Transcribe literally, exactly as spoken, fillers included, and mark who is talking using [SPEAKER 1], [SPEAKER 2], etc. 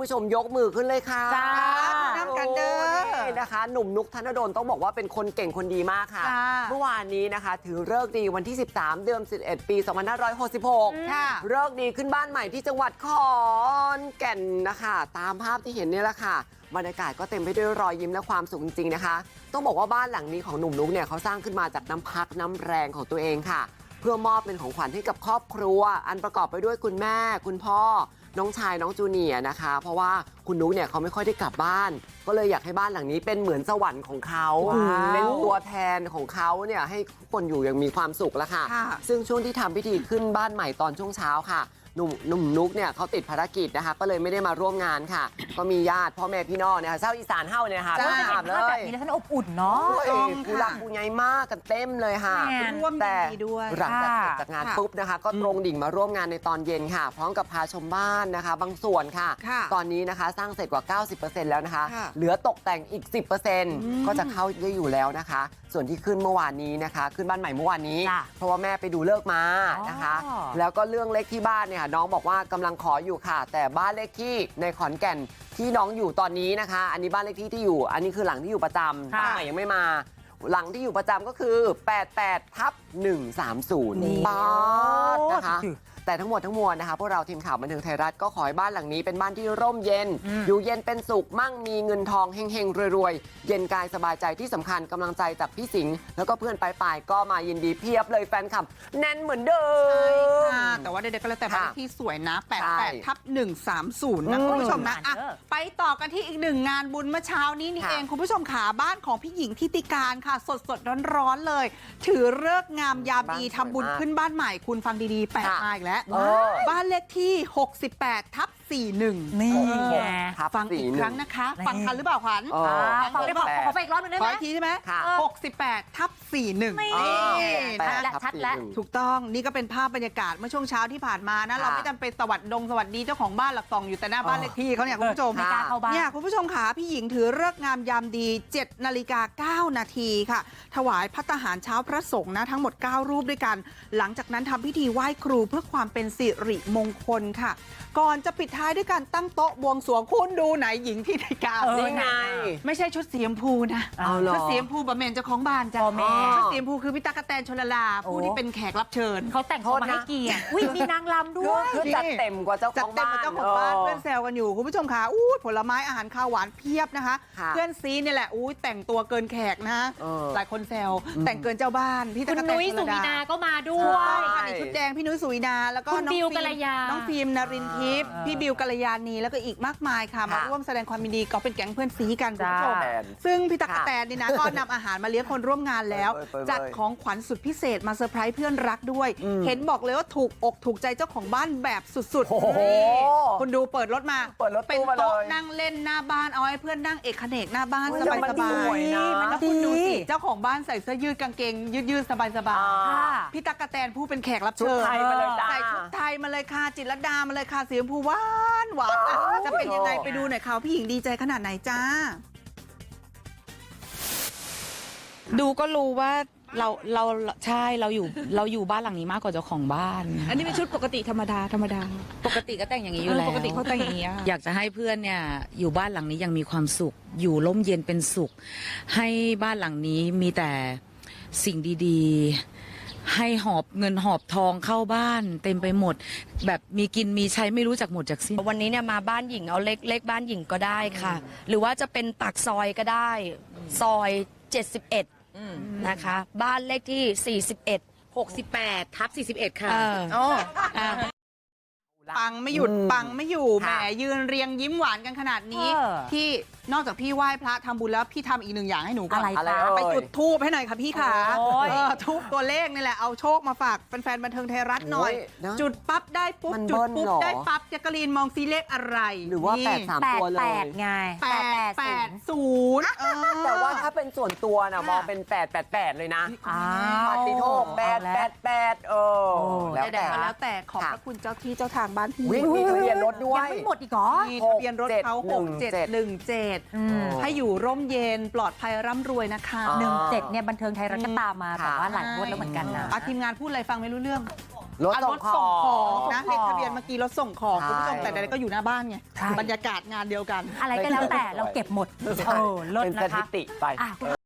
[SPEAKER 1] ผู้ชมยกมือขึ้นเลยค่ะ
[SPEAKER 2] จ้า
[SPEAKER 1] น้ำกันเด้อนะคะหนุ่มนุกธนดลต้องบอกว่าเป็นคนเก่งคนดีมากค่ะเมื่อวานนี้นะคะถือฤกษ์ดีวันที่สิบสามเดือนสิบเอ็ดปีสองพันห้าร้อยหกสิบหกค่ะฤกษ์ดีขึ้นบ้านใหม่ที่จังหวัดขอนแก่นนะคะตามภาพที่เห็นนี่แหละค่ะบรรยากาศก็เต็มไปด้วยรอยยิ้มและความสุขจริงๆนะคะต้องบอกว่าบ้านหลังนี้ของหนุ่มนุกเนี่ยเขาสร้างขึ้นมาจากน้ำพักน้ำแรงของตัวเองค่ะเพื่อมอบเป็นของขวัญให้กับครอบครัวอันประกอบไปด้วยคุณแม่คุณพ่อน้องชายน้องจูเนียร์นะคะเพราะว่าคุณนุ๊กเนี่ยเขาไม่ค่อยได้กลับบ้านก็เลยอยากให้บ้านหลังนี้เป็นเหมือนสวรรค์ของเขาเป็นตัวแทนของเขาเนี่ยให้ทุกคนอยู่อย่างมีความสุขแล้วค่ะซึ่งช่วงที่ทำพิธีขึ้นบ้านใหม่ตอนช่วงเช้าค่ะหนุ่มหนุ่มนุ๊กเนี่ยเขาติดภารกิจนะคะก็เลยไม่ได้มาร่วมงานค่ะก็มีญาติพ่อแม่พี่น้องเนี่ยเศร้าอีสานเฮ้าเนี่ยค่ะ
[SPEAKER 2] ก็จะเห็นภาพแบบนี้แล้วท่านอบอุ่นเนาะ
[SPEAKER 1] ผู้รักผู้ใหญ่มากกันเต็มเลยค่ะแต่หลังจากเสร็จจากงานปุ๊บนะคะก็ตรงดิ่งมาร่วมงานในตอนเย็นค่ะพร้อมกับพาชมบ้านนะคะบางส่วนค่ะตอนนี้นะคะสร้างเสร็จกว่า เก้าสิบเปอร์เซ็นต์ แล้วนะคะเหลือตกแต่งอีก สิบเปอร์เซ็นต์ ก็จะเข้าได้อยู่แล้วนะคะส่วนที่ขึ้นเมื่อวานนี้นะคะขึ้นบ้านใหม่เมื่อวานนี้เพราะว่าแม่ไปดูเลิกมานะคะแล้วก็เรื่องเล็กที่บ้านเนี่ยน้องบอกว่ากำลังขออยู่ค่ะแต่บ้านเลขที่ในขอนแก่นที่น้องอยู่ตอนนี้นะคะอันนี้บ้านเลขที่ที่อยู่อันนี้คือหลังที่อยู่ประจำบ้านใหม่ยังไม่มาหลังที่อยู่ประจำก็คือแปดแปดทับหนึ่งสามศูนย์บ้านนะคะแต่ทั้งหมดทั้งมวลนะคะพวกเราทีมข่าวบันเทิงไทยรัฐก็ขอให้บ้านหลังนี้เป็นบ้านที่ร่มเย็นอยู่เย็นเป็นสุขมั่งมีเงินทองเฮงๆรวยๆเย็นกายสบายใจที่สำคัญกำลังใจจากพี่สิงห์แล้วก็เพื่อนปลายๆก็มายินดีเพียบเลยแฟนคลับแน่นเหมือนเดิม
[SPEAKER 3] ใช่ค่ะแต่ว่าเด็กๆก็แล้วแต่บ้านที่สวยนะแปดแปดทับหนึ่งสามศูนย์นะคุณผู้ชมนะอ่ะไปต่อกันที่อีกหนึ่งงานบุญเมื่อเช้านี้นี่เองคุณผู้ชมขาบ้านของพี่หญิงทิติการค่ะสดๆร้อนๆเลยถือฤกษ์งามยามดีทำบุญขึ้นบ้านใหม่คุณฟังดีๆแปดมาอีกแล้วบ้านเลขที่หกสิบแปดทับสี่สิบเอ็ด
[SPEAKER 2] นี่
[SPEAKER 3] ฟังอีกครั้งนะคะฟังทันหรือเปล่าขวัญ
[SPEAKER 2] ฟังได้บอกขอไปอีกรอบนึงได้ไหม
[SPEAKER 3] ขออีกทีใช่ไหมหกสิบแปดทับสี่สิบเอ็ด
[SPEAKER 2] นี่และชัดแล้ว
[SPEAKER 3] ถูกต้องนี่ก็เป็นภาพบรรยากาศเมื่อช่วงเช้าที่ผ่านมานะเราไม่จำเป็นสวัสดงสวัสดีเจ้าของบ้านหลักซองอยู่แต่หน้าบ้านเลขที่เขาเนี่ยคุณผู้ชมเนี่ยคุณผู้ชมขาพี่หญิงถือฤกษ์งามยามดีเจ็ดนาฬิกาเก้านาทีค่ะถวายภัตตาหารเช้าพระสงฆ์นะทั้งหมดเก้ารูปด้วยกันหลังจากนั้นทำพิธีไหว้ครูเพื่อความเป็นสิริมงคลค่ะก่อนจะปิดท้ายด้วยการตั้งโต๊ะบวงสรวงคุณดูไหนหญิงที่ในการ
[SPEAKER 1] นี่ไง
[SPEAKER 3] ไม่ใช่ชุดสีชมพูนะชุดสีชมพูบะเมนเจ้าของบ้านจ้ะชุดสีชมพูคือพี่ตั๊กแตนชลลาผู้ที่เป็นแขกรับเชิญ
[SPEAKER 2] เขาแต่งตัวมาให้เกียรติอุ้ยมีนางรำด้วย
[SPEAKER 1] คือจัดเต็มกว่าเจ้าของบ้าน
[SPEAKER 3] เจ้าของบ้านเพื่อนแซวกันอยู่คุณผู้ชมค่ะอู้ผลไม้อาหารข้าวหวานเพียบนะคะเพื่อนซีนี่แหละอู้แต่งตัวเกินแขกนะหลายคนแซวแต่งเกินเจ้าบ้าน
[SPEAKER 2] พี่ตั๊กแตนชลลาคุณนุ้ยสุวินาก็มาด้วย
[SPEAKER 3] ชุดแดงพี่นุ้ยสุวินาแล้วก็น้องฟิล์มน้องฟิล์มนรินทร์ทิพย์พี่บิวกัลยาณีแล้วก็อีกมากมายค่ะมาร่วมแสดงความยินดีก็เป็นแก๊งเพื่อนซีกันคุณผู้ชมซึ่งพี่ตั๊กแตนนี่นะก็นำอาหารมาเลี้ยงคนร่วมงานแล้วจัดของขวัญสุดพิเศษมาเซอร์ไพรส์เพื่อนรักด้วยเห็นบอกเลยว่าถูกอกถูกใจเจ้าของบ้านแบบสุดๆคุณดูเปิดรถมาเป็นโต๊ะนั่งเล่นหน้าบ้านเอาให้เพื่อนนั่งเอกเขนกหน้าบ้านสบายสบายแล้วคุณดูสิเจ้าของบ้านใส่เสื้อยืดกางเกงยืดๆสบายสบายพี่ตั๊กแตนผู้เป็นแขกรับเชิญใส่ชุดไทยมาเลยค่ะจิตรลดามาเลยค่ะสีชมพูหวานหวานจะเป็นยังไงไปดูหน่อยค่ะพี่หญิงดีใจขนาดไหนจ้า
[SPEAKER 4] ดูก็รู้ว่าเราเราใช่เราอยู่เราอยู่บ้านหลังนี้มากกว่าเจ้าของบ้าน
[SPEAKER 3] อันนี้เป็นชุดปกติธรรมดาธรรมดา
[SPEAKER 4] ปกติก็แต่งอย่างนี้อยู่แล้ว
[SPEAKER 3] ปกติเขาแต่งอย่างนี้
[SPEAKER 4] อยากจะให้เพื่อนเนี่ยอยู่บ้านหลังนี้ยังมีความสุขอยู่ร่มเย็นเป็นสุขให้บ้านหลังนี้มีแต่สิ่งดีๆให้หอบเงินหอบทองเข้าบ้านเต็มไปหมดแบบมีกินมีใช้ไม่รู้จักหมดจากสิ้น
[SPEAKER 5] วันนี้เนี่ยมาบ้านหญิงเอาเล็กเล็กบ้านหญิงก็ได้ค่ะหรือว่าจะเป็นปากซอยก็ได้ซอยเจ็ดสิบเอ็ดนะคะบ้านเลขที่สี่สิบเอ็ด หกสิบแปดทับสี่สิบเอ็ดค่ะ
[SPEAKER 3] อ๋อปังไม่หยุดปังไม่อยู่แหมยืนเรียงยิ้มหวานกันขนาดนี้ที่นอกจากพี่ไหว้พระทำบุญแล้วพี่ทำอีกหนึ่งอย่างให้หนูก่อนไปจุดธูปให้หน่อยค่ะพี่ขาทูบตัวเลขนี่แหละเอาโชคมาฝากแฟนๆบันเทิงไทยรัฐหน่อยจุดปั๊บได้ปุ๊บจุดปุ๊บได้ปั๊บแจ๊กกะลีนมองซีเลขอะไร
[SPEAKER 1] หรือว่าแปดสามตัวเลย
[SPEAKER 2] แปดไง
[SPEAKER 3] แปดแปดศูนย์
[SPEAKER 1] แต่ว่าถ้าเป็นส่วนตัวนะมองเป็นแปดแปดแปดเลยนะปฏิโทษแปดแปดแปดเออ
[SPEAKER 3] แล้วแต่แล้วแต่ขอบพระคุณเจ้าที่เจ้าทางบ้านพี่
[SPEAKER 1] มีทะเบียนรถด้วย
[SPEAKER 2] ยังไม่หมดอีกเหรอ
[SPEAKER 3] มีทะเบียนรถเขาหกเจ็ดหนึ่งเจ็ดให้อยู่ร่มเย็นปลอดภัยร่ำรวยนะคะ
[SPEAKER 2] หนึ่งเจ็ดเนี่ยบันเทิงไทยรัฐก็ตามมาแต่ว่าหลายงวดแล้วเหมือนกันนะ
[SPEAKER 3] ทีมงานพูดอะไรฟังไม่รู้เรื่อง
[SPEAKER 1] รถ
[SPEAKER 3] อ่ะ
[SPEAKER 1] ส่
[SPEAKER 3] รง ถ
[SPEAKER 1] ข
[SPEAKER 3] ส่ง
[SPEAKER 1] อ
[SPEAKER 3] ของ
[SPEAKER 1] ง
[SPEAKER 3] นะเลขทะเบียนเมื่อกี้รถส่งของ
[SPEAKER 1] ใช่
[SPEAKER 3] คุณผู้ชมแต่ใดๆก็อยู่หน้าบ้านไง
[SPEAKER 2] ใช่
[SPEAKER 3] บรรยากาศงานเดียวกัน
[SPEAKER 2] อะไรก็แล้วแต่เราเก็บหมดเออเลิศ
[SPEAKER 1] เป็น
[SPEAKER 2] นะ
[SPEAKER 1] สถิ
[SPEAKER 2] คะ
[SPEAKER 1] ติไป
[SPEAKER 2] อ่ะ